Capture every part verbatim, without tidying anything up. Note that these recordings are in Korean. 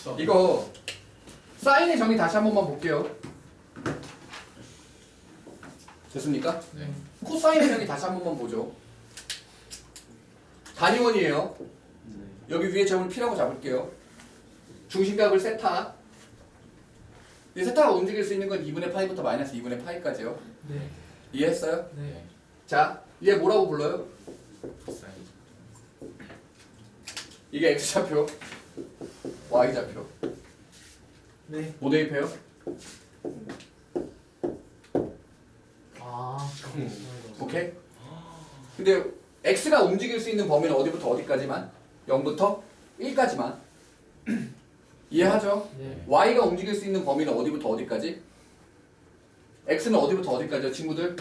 이거 사인의 정의 다시 한 번만 볼게요. 됐습니까? 네. 코사인의 정의 다시 한 번만 보죠. 단위원이에요. 여기 위에 점을 P라고 잡을게요. 중심각을 세타. 이 세타가 움직일 수 있는 건 이분의 파이부터 마이너스 이분의 파이까지요. 네. 이해했어요? 네. 자, 얘 뭐라고 불러요? 코사인. 이게 X좌표, Y좌표. 네. 뭐 대입해요? 아. 오케이? 근데 X가 움직일 수 있는 범위는 어디부터 어디까지만? 영부터 일까지만. 이해하죠? 네. Y가 움직일 수 있는 범위는 어디부터 어디까지? X는 어디부터 어디까지요, 친구들?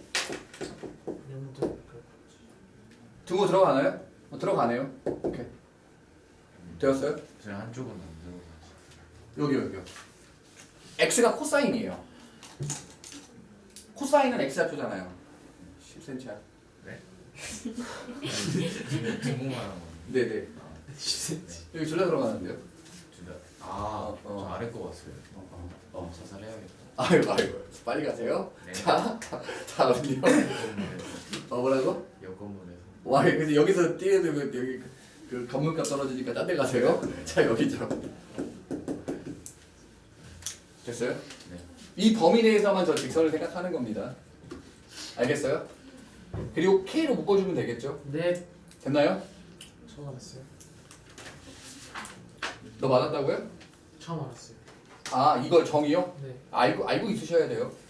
영도. 등호 들어가나요? 어, 들어가네요. 오케이. 되었어요? 제 한쪽은 안 들어가요. 여기 여기요. X가 코사인이에요. 코사인은 X좌표잖아요. 십 센티미터. 네? 중국말 하는 거. 네네. 십 센티미터. 여기 둘 다 들어가는데요. 진짜. 아, 어, 어. 저 아래 거 봤어요. 어, 어, 어. 자살해야겠다. 아이고 아이고. 빨리 가세요. 네. 자, 다음요. 어 뭐라고? 옆 건물에서. 와, 근데 여기서 뛰어도 그- 여기 그, 그 건물값 떨어지니까 딴 데 가세요. 네. 자, 여기죠. 됐어요? 네. 이 범위 내에서만 저 직선을 생각하는 겁니다. 알겠어요? 그리고 K로 묶어주면 되겠죠? 네. 됐나요? 처음 알았어요. 너 맞았다고요? 처음 알았어요. 아, 이걸 정의요? 네. 알고 알고 있으셔야 돼요.